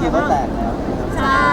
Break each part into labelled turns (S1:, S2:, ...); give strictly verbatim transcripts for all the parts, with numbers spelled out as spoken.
S1: คิวก็แตกแล้ว
S2: ใช่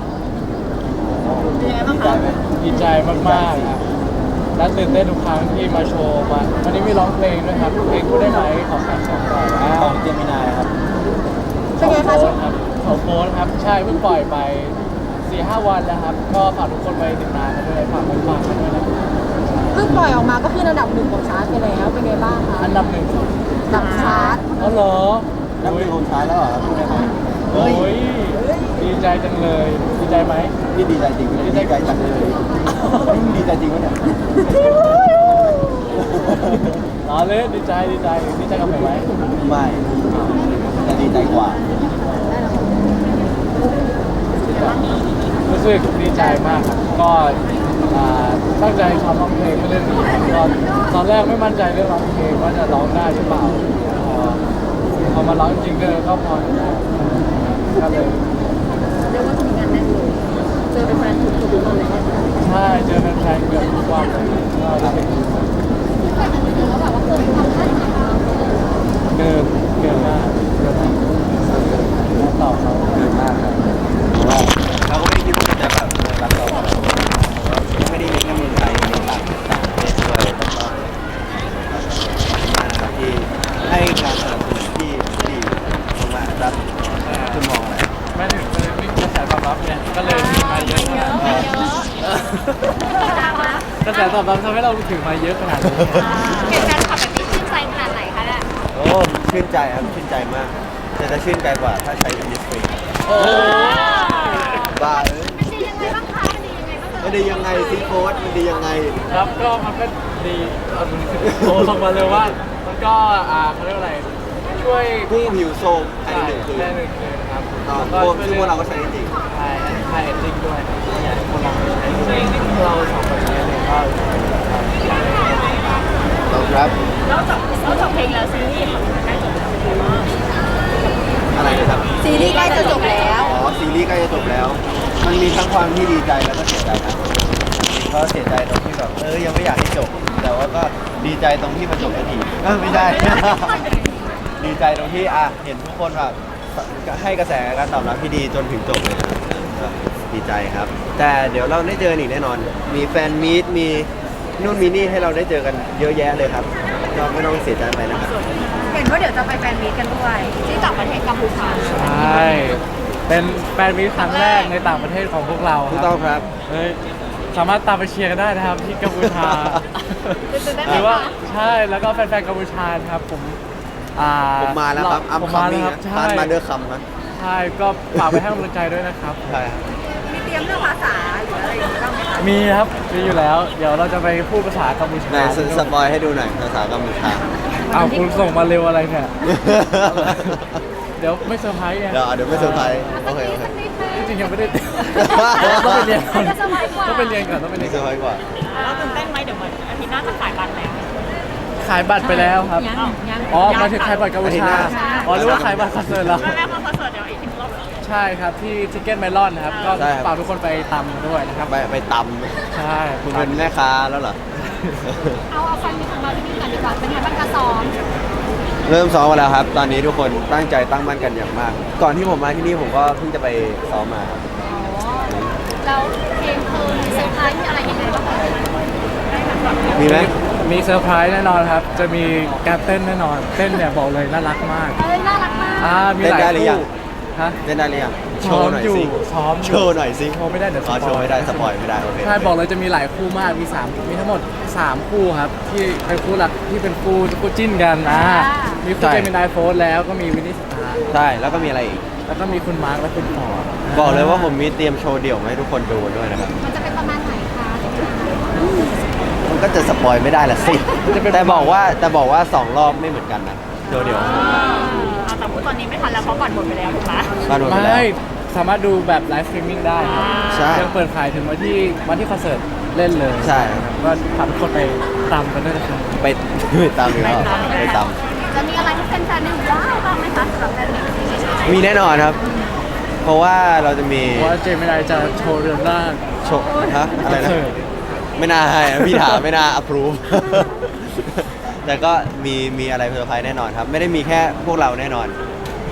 S2: เป็นยังไงบ้างคะ
S3: ดีใจมากๆครับและตื่นเต้นทุกครั้งที่มาโชว์มาวันนี้มีร้องเพลงด้วยครับเพลงพูดได้ไหมของแฟนสองต่อ
S1: ของเจมินายครับ
S2: เป็นไง
S3: โพ
S2: คะ
S3: สครับเขาโพสครับใช่เพิ่งปล่อยไปสี่ห้าวันแล้วครับก็ฝากทุกคนไปติดตามกันด้วยฝากไปฟังกันด้วยนะครับ
S2: เพิ่งปล่อยออกมาก็คือระดับหนึ่งของชาร์ตไปแล้วเป็นไงบ้างคะ
S3: อันดับหนึ่ง
S2: ดับชาร์ต
S3: อ๋อเหรอ
S1: นับเป็นคนท้ายแล้วเหรอครับพูดได้ไหม
S3: โอ้ยดีใจจังเลยดีใจไหม
S1: พี่ดีใจจริงดีใจจังเลยดีใจจริงวะเนี่ย
S3: อ๋อเลยดีใจดีใจดีใจกับผมไหม
S1: ไม่จะดีใจกว่า
S3: รู้สึกดีใจมากครับก็อ่าตั้งใจทำร้องเพลงเรื่องนี้ครับก็ตอนแรกไม่มั่นใจเรื่องร้องเพลงว่าจะร้องได้หรือเปล่าพอพอมาร้องจริงก็ก็พอได้ก็เลย
S2: เรียกว่าจะมีงานแน่นเลยเจอเป็นแฟนทุกทุกวันเลย
S3: ใช่เจอแฟนๆเกือบทุกวันเลยก็รู้สึกเกินเกินมากเกินมากตอบเขา
S1: เกินมากครับเพราะว่าเราก็ไม่คิดว่าจะแบบรักเราไม่ได้มีแค่เมืองไทยมีต่างต่างประเทศด้วยแล้วก็มากนะครับที่ให้การสนับสนุนที่ดีมากๆครับคุณมองอะไร
S3: ไม่ถึงเลยมีกระแสตอบรับเนี่ยก็เลยถึงมาเยอะขนาดนี้กระแสตอบรับทำให้เราถึงมาเยอะขนาดนี้
S4: เห็นแฟนคลับแบบนี้ชื่นใจขนาดไหนคะเนี่ย
S1: โอ้ชื่นใจครับชื่นใจมากแต่จะชื่นใจกว่าถ้าใช้อินดิสทรี
S3: โอ้
S1: บ้าเอ้ย
S4: มันดียังไงบ้างคะมันดียังไงบ้าง
S1: มันดียังไงซีโค้ดมันดียังไง
S3: ครับก็มันก็ดีเอาโทรส่งมาเลยว่ามันก็อ่าเขาเรียกว่าอะไรช่วย
S1: ผู้ผิวโซมภายในหนึ่งคืน
S3: ได้หนึ่งคืนครับ
S1: ตอน
S3: ก็
S1: พวก
S3: ช่วย
S1: ซึ่งพวกเราก็ใช้จริง
S3: ใช่ใช่เอดดิ้งด้วยอยากให้คนลองไปใช้ดูเราสองคนใช้เลยก็
S1: ต้องครับ
S4: แล้วจบแล้วจบเพลงแล้วซีรีส์ของมันได้จบแล้วเป็นไงบ้าง
S1: อะไรนะครับ
S2: ซีรีส์ใกล้จะจบแล้ว
S1: อ๋อซีรีส์ใกล้จะจบแล้ว มันมีทั้งความที่ดีใจแล้วก็เสียใจครับก็เสียใจตรงที่แบบเออยังไม่อยากให้จบ แต่ว่าก็ดีใจตรงที่มันจบสักทีเออไม่ได้ ดีใจตรงที่อ่ะเห็นทุกคนแบบให้กระแสการตอบรับที่ดีจนถึงจบเลยนะครับก็ดีใจครับ แต่เดี๋ยวเราได้เจอกันอีกแน่นอน มีแฟนมีตมีนู่นมีนี่ให้เราได้เจอกันเยอะแยะเลยครับเราไม่ต้องเสียใจไปนะครับ
S2: เห็นว่าเดี๋ยวจะไปแฟนมีตกันด้วย
S4: ที่ต่างประเทศกัมพูชา
S3: ใช่เป็นแฟนมีตครั้งแรกในต่างประเทศของพวกเราค
S1: ถูก
S3: รับ
S1: ต้องครับ
S3: เฮ้ยสามารถตามไปเชียร์กันได้นะครับที่กัมพูชาหรือว่าใช่แล้วก็แฟนๆกัมพูชานะครับผมอ่า
S1: ผมมาแล้วครับอัม
S3: ผม
S1: คัม
S3: มา
S1: มิ่
S3: แล้ว
S1: ง
S3: ครับ
S1: นะ
S3: ใช่
S1: มาเดอร์คัมนะ
S3: ใช่ก็ฝากไปให้กำลังใจด้วยนะครับ
S1: ใช่ครับ
S2: มีเตรียมเรื่องภาษาหรืออะไรอย่างเงี้ยบ้างไหมคะ
S3: มีครับมีอยู่แล้ว เดี๋ยวเราจะไปพูดภาษากัมพูชา
S1: ไหนสสปอยให้ดูหน่อยภาษากัมพูชา
S3: อ้าวคุณส่งมาเร็วอะไรเนี่ย เดี๋ยวไม่เซอร์ไพรส์ไง
S1: เดี๋ยวเดี๋ยวไม่เซอร์ไพรส์โอเคโอเค
S3: จริงๆยังไม่ได้ ต้องไปเรียนก่อนต้องไปเรียนก่อนต้องไปเรี
S1: ไม่
S3: ยน
S1: เซอ
S3: ก่อน
S1: ร์ไพรส์กว่า
S4: แล้วตื่นเต้นไหมเดี๋ยวเหมือนอาทิตย์หน้าจะขายบัตรแล้ว
S3: ขายบัตรไปแล้วครับ อ๋อหมายถึงขายบัตรกัมพูชา อ๋อหรือว่าขายบัตรคอนเสิร์ตแล้ว
S4: แม่แม่คอนเสิร์ตเดี๋ยวอีกทีรอบ
S3: ใช่ครับที่ทิกเก็ตไมลอนนะครับ ก็
S1: ใช่ครับ
S3: ฝากทุกคนไปตามด้วยนะครับ
S1: ไปไปต
S3: ใช่
S1: ำคุณเป็นแม่ค้าแล้วเหรอ
S4: เอาเอาฟันมีของเราที่นี่ก่อนดีกว่าเป็นไงบ้างคะซ้อม
S1: เริ่มซ้อมมาแล้วครับ ตอนนี้ทุกคนตั้งใจตั้งมั่นกันอย่างมาก ก่อนที่ผมมาที่นี่ผมก็เพิ่งจะไปซ้อมมาครับ
S4: อ๋อแล้วเพลงคือเซอร์ไพรส์มีอะไรยังไงบ้างคะ
S1: มีไหม
S3: มีเซอร์ไพรส์แน่นอนครับ จะมีการเต้นแน่นอน เต้นเนี่ยบอกเลยน่ารักมาก
S4: เอ้ยน่ารักมาก
S3: อ่ามีหลายคู่ฮะ
S1: เล่นได้หรือยังโช
S3: ซ้อ
S1: ว์
S3: ม
S1: หน่อย
S3: อยู่
S1: สิ
S3: ซ้อมอยู่
S1: โชว์หน่อยสิ
S3: โชว์ไม่ได้เดี๋ยว
S1: อ๋อ
S3: สปอย
S1: โชว์ไม่ได้สปอยไม่ได้โอเค
S3: ใช่บอกเลยจะมีหลายคู่มาก มีสามมีทั้งหมดสามคู่ครับ ที่เป็นคู่หลักที่เป็นคู่คู่จิ้นกันอ่ามีคู่เจมินายโฟร์แล้วก็มีวินนี่สตาร์
S1: ใช่แล้วก็มีอะไรอีก
S3: แล้วก็มีคุณมาร์คและคุณฟอร์ด
S1: บอกเลยว่าผมมีเตรียมโชว์เดี่ยวมาให้ทุกคนดูด้วยนะครับ
S4: มันจะเป็นประมาณไหนคะ
S1: มันก็จะสปอยไม่ได้ละสิ แต่บอกว่าแต่บอกว่าสองรอบไม่เหมือนกันนะโชว์เดี่ยว
S4: อ่าแต่พูดตอนนี้ไม่ทันแล้วเพราะบัตรหมดไปแล้วถูกไหม
S1: บ้านหมดไปแล้ว
S3: ไม่สามารถดูแบบไลฟ์สตรีมมิ่งได้ครับ
S1: ใช่
S3: ยังเปิดขายถึงวันที่วันที่คอนเสิร์ตเล่นเลย
S1: ใช่
S3: ครับก็ฝากทุกคนไปตามกันด้วยนะครับ
S1: ไปไปตามอีกแล้วไปตาม
S4: จะมีอะไรที่แฟนๆได้ว้าวบ้างไหมคะสำหรับแฟนๆ
S1: มีแน่นอนครับ เพราะว่าเราจะมี
S3: เพราะว่าเจมินายจะโชว์เรือนร่าง
S1: โชว์ฮะอะไร
S3: คอน
S1: นะ
S3: เสิร์ต
S1: ไม่น่าให้นะพี่ถามไม่น่า approve แต่ก็มีมีอะไรเซอร์ไพรส์แน่นอนครับ ไม่ได้มีแค่พวกเราแน่นอน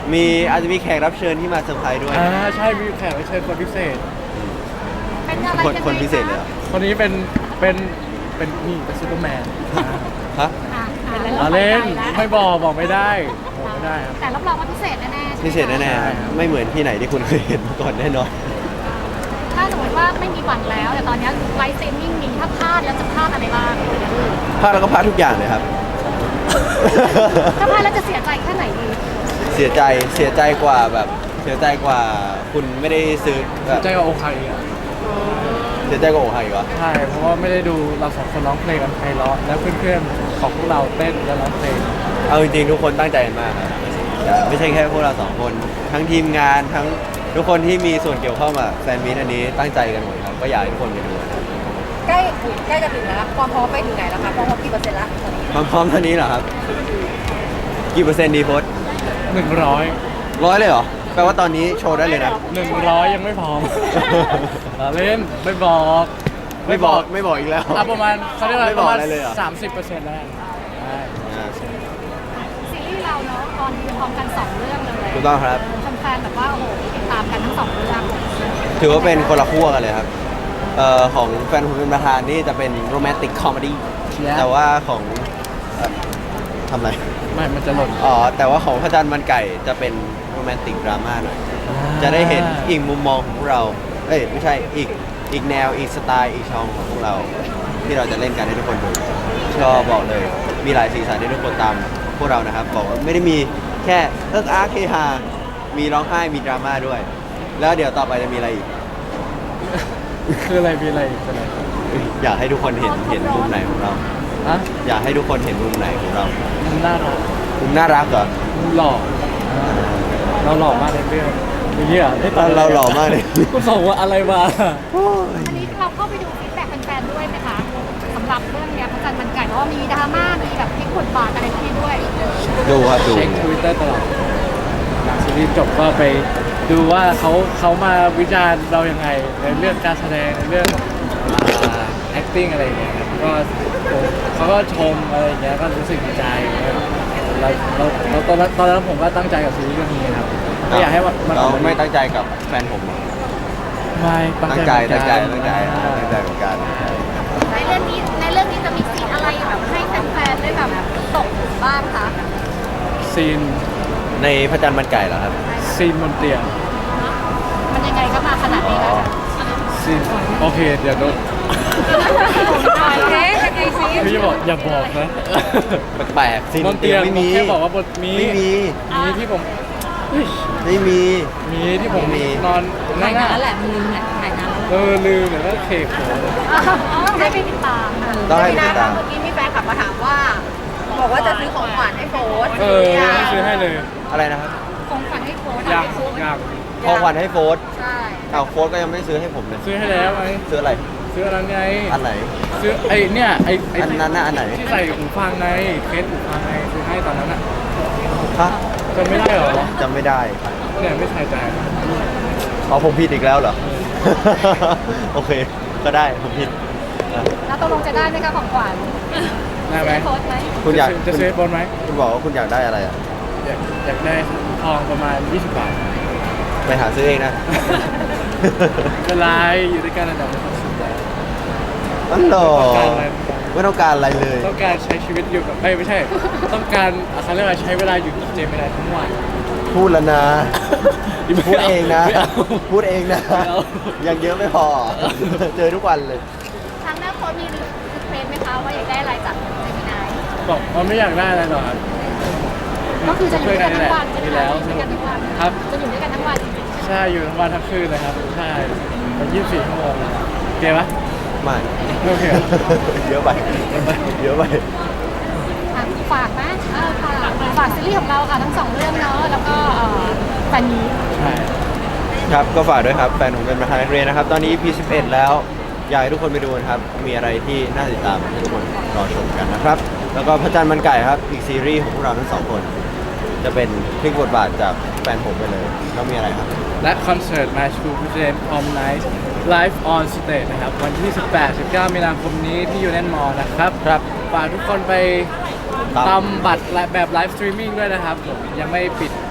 S1: มีอาจจะมีแขกรับเชิญที่มาเซอร์ไพรส์ด้วย
S3: อ่าใช่มีแขกรับเชิญคนพิเศษ
S4: เป็นอะไร
S1: คน
S4: ยังไง
S1: คนพิเศษเลยเหรอ
S3: คนนี้เป็นเป็นเป็นนี่เป็นซูเปอร์แมน
S1: ฮะ
S4: อ่ะ
S3: เราเล่นไม่บอกบอกไม่ได้บอกไม่ได้ครับ
S4: แต่รับรองว่าพิเศษแน่ๆใช่ไหมคะ
S1: พิเศษแน่ๆครับไม่เหมือนที่ไหนที่คุณเคยเห็นมาก่อนแน่นอน
S4: ถ้าสมมติว่าไม่มีหวังแล้ว แต่ตอนนี้ไลฟ์สตรีมมิ่งมีถ้าพลาดแล้วจะพลาดอะไรบ้าง
S1: พลาดแล้วก็พลาดทุกอย่างเลยครับ
S4: ถ้าพลาดแล้วจะเสียใจแค่ไหนดี
S1: เสียใจเสียใจกว่าแบบเสียใจกว่าคุณไม่ได้ซื้อแบบ
S3: ใจกับโอคาอีอ่ะ
S1: เสียใจกว่าโอไฮเหรอ
S3: ใช่เพราะว่าไม่ได้ดูเราสองคนร้องเพลงกันไพเราะแล้วเพื่อนๆของพวกเราเต้นและร้องเพลง
S1: เอาจริงๆทุกคนตั้งใจกันมากครับไม่ใช่แค่พวกเราสองคนทั้งทีมงานทั้งทุกคนที่มีส่วนเกี่ยวข้องกับแฟนมีตอันนี้ตั้งใจกันหมดครับก็อยากให้ทุกคนไปดูนะครับ
S2: ใกล้ใกล้จะถึงแล้วความพร้อมไปถึงไหนแล้วคะความพร้อมกี่เปอร์เซ็นต์ละตอนนี้
S1: ความพร้อมเท่านี้เหรอครับกี่เปอร์เซ็นต์ดีโพส
S3: หนึ่งร้อย
S1: ร้อยเลยเหรอแปลว่าตอนนี้โชว์ได้เลยนะ
S3: หนึ่งร้อยยังไม่พร้อม เราเล่นไม่บอก
S1: ไม่บอกไม่บอกอีกแล้ว
S3: อ่ะประมาณเขาเรียกว่า
S1: ไม่
S3: ป
S1: บอก
S3: ระมาณ
S1: อะไรเลยเหรอ
S3: สามสิบเปอร์เซ็นต์แล้วใช่
S1: อ่า
S4: ซีรีส์เราเนาะตอนนี้พร้อมกันสองเรื่องเลย
S1: ถูกต้องครับ
S4: แฟนๆแบบว่าโอ้โหติดตามกันทั้งสองเรื่อง
S1: ถือว่าเป็นคนละขั้วกันเลยครับเอ่อของแฟนผมเป็นประธานนี่จะเป็นโรแมนติกคอมเมดี้แต่ว่าของเอ่อทำอะไร
S3: ไม่มันจะหล่น
S1: อ๋อ แต่ว่าของพระจันทร์มันไก่จะเป็นโรแมนติกดราม่าหน่อย จะได้เห็นอีกมุมมองของพวกเรา เอ้ยไม่ใช่อีกอีกแนวอีกสไตล์อีกช่องของพวกเรา ที่เราจะเล่นกันให้ทุกคนดูก็บอกเลยมีหลายสีสันให้ทุกคนตามพวกเรานะครับบอกว่าไม่ได้มีแค่เอิกอาร์เคฮามีร้องไห้มีดราม่าด้วย แล้วเดี๋ยวต่อไปจะมีอะไรอีก
S3: คืออะไรมีอะไรอีกอะไร
S1: อยากให้ทุกคนเห็นเห็นมุมไหนของเรา
S3: ฮะ
S1: อยากให้ทุกคนเห็นมุมไหนของเรา
S3: มันน่ารัก
S1: มุมน่ารักเหรอ
S3: มันหล่ออ่าเราหล่อมากในเรื่องอย่างนี้เหรอได้ต
S1: เราหล่อมากเลย
S3: คุณส่งว่าอะไรมา
S4: อันนี้เราเข้าไปดูฟีดแบ็กแฟนๆด้วยไหมคะสำหรับเรื่องเนี้ยพระจันทร์มันไก่เพราะว่ามีดราม่ามีแบบพลิกบทบาทอะไรพวกนี้ด้วย
S1: ดูครับดู
S3: เช็คทวิตเตอร์ตลอดหลังซีรีส์จบก็ไปดูว่าเขาเขามาวิจารณ์เรายังไงในเรื่องการแสดงในเรื่องอ่า acting อะไรอย่างเงี้ยครับก็เขาก็ชมอะไรอย่างเงี้ยก็รู้สึกดีใจครับเราเราเราตอนนั้นตอนนั้นผมก็ตั้งใจกับซีรีส์เรื่องนี้ครับไม่อยากให้มันมัน
S1: เราไม่ตั้งใจกับแฟนผม
S3: ไม่
S1: ตั้งใจตั้งใจตั้งใจตั้งใจเหมือนกัน
S4: ในเรื่องนี้ในเรื่องนี้จะมีซีนอะไรแบบให้แฟนๆได้แบบตกบ้างคะ
S3: ซีน
S1: ในพระจันทร์มันไก่เหรอครับ
S3: ซีนบนเตียง
S4: มันยังไงก็มาขนาดนี้แล้ว
S3: ซีนโอเคเดี๋ยวโดน
S4: โอเคยังไงซิ
S3: พี่บอกอย่าบอกนะ
S1: แปลกๆสิ
S3: บนเตียง
S1: ไม่มี
S3: แค่บอกว่าบนมี
S1: ไม่มี
S3: มีที่ผมเฮ้ย
S1: ไม่มี
S3: มีที่ผม
S1: ไม่มี
S3: นอนนั่
S2: ถ่าย
S3: ง
S2: นาน
S3: อ่ะ
S2: แล้วแหละมึงเนี่ยถ่ายนานแล้ว
S3: เออลืมเดี๋ยวก็เคกโผล่
S4: ต้องให้ไปติดตามค่ะ
S1: ต้องให้ติดตาม
S2: เมื่อกี้มีแฟนขับมาถามว่า บอกว่าจะซื้อของขวัญให้โฟส
S3: เออไม่ซื้อให้เลย
S1: อะไรนะครับ
S4: ของขวัญให้โค้ช
S3: อยากอยาก
S1: ของขวัญให้โฟร์ธ
S2: ใช่
S1: อ้าวโฟร์ธก็ยังไม่ซื้อให้ผมเลย
S3: ซื้อให้แล้วไง
S1: ซื้ออะไร
S3: ซื้ออะไรไง
S1: อันไหน
S3: ซื้อไอ้เนี่ยไอ้ไอ้
S1: อันนั้นน่ะอันไหน
S3: ที่ใส่หูฟังไงเคสหูฟังไงซื้อให้ตอนนั้นอ่ะ
S1: ฮะ
S3: จำไม่ได้เหรอ
S1: จำไม่ได้
S3: เนี่ยไม่ใส่ใจ
S1: เอาผมผิดอีกแล้วเหรอ โอเค ก็ได้ผมผิดอ่ะ
S4: แล้วตกลงจะได้ไหมคะของขวัญ
S3: ได้ไหม
S4: โค้ชไหม
S1: คุณอยาก
S3: จะซื้อบอลไหม
S1: คุณบอกว่าคุณอยากได้อะไรอ่ะ
S3: อยากอยากได้ทองประมาณยี่สิบบาท
S1: ไปหาซื้อเองนะ
S3: เป็นไรอยู่ด้วยกันระดับความสุขแล้ว
S1: อันหรอ
S3: ต้องการอะไร
S1: ไม่ต้องการอะไรเลย
S3: ต้องการใช้ชีวิตอยู่กับเอ้ยไม่ใช่ ต้องการเขาเรียกว่าใช้เวลาอยู่กับเจมินายทั้งวัน
S1: พูดแล้วนะ พูดเองนะ
S3: ไม่เอา
S1: พูดเองนะ
S3: ไม่เอา
S1: ยังเยอะไม่พอ เจอทุกวันเลย
S4: ทางหน้าโค้ชมีรีเควสไหมคะว่าอยากได้อะไรจากเจมินาย
S3: บอกว่าไม่อยากได้อะไรหรอกครับ
S4: ก็คือจะอยู่ด้วยกันทั้งวันใช่ไหม
S3: มี
S4: คะ
S3: แล้ว
S4: อยู่ด้วยกันทั้งวัน
S3: ครับ
S4: จะอยู่ด้วยกันทั้งวันจริง
S3: ใช่อยู่ทั้งวันทั้งคืนเลยครับใช่เป็นยี่สิบสี่ชั่วโมงเลยโอเคปะ
S1: ไม่
S3: ไม่โอเคเหรอ
S1: เยอะไป เยอะไป
S4: ๆอ่ะฝากนะเออฝากฝากซีรีส์ของเราค่ะทั้งสองเรื่องเนาะแล้วก็เอ่อแฟนนี้
S3: ใช่
S1: ครับก็ฝากด้วยครับแฟนผมเป็นประธานนักเรียนนะครับ ตอนนี้ อี พี สิบเอ็ด แล้ว อยากให้ทุกคนไปดูนะครับ มีอะไรที่น่าติดตามให้ทุกคนรอชมกันนะครับ แล้วก็พระจันทร์มันไก่ครับ อีกซีรีส์ของพวกเราทั้งสองคน จะเป็นพลิกบทบาทจากแฟนผมไปเลยแล้วมีอะไรครับ
S3: และคอนเสิร์ต My School Present Prom Night Live on Stage นะครับ วันที่ สิบแปด สิบเก้า มีนาคมนี้ที่ยูเน Mall นะครับ
S1: ครับ
S3: ฝากทุกคนไป
S1: ตาม
S3: ตามบัตรและแบบไลฟ์สตรีมมิ่งด้วยนะครับผมยังไม่ปิด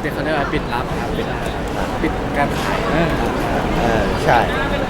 S3: เดี๋ยวเขาเรียกว่าปิดรับครับปิดปิดการขาย
S1: เออใช่
S2: เป็น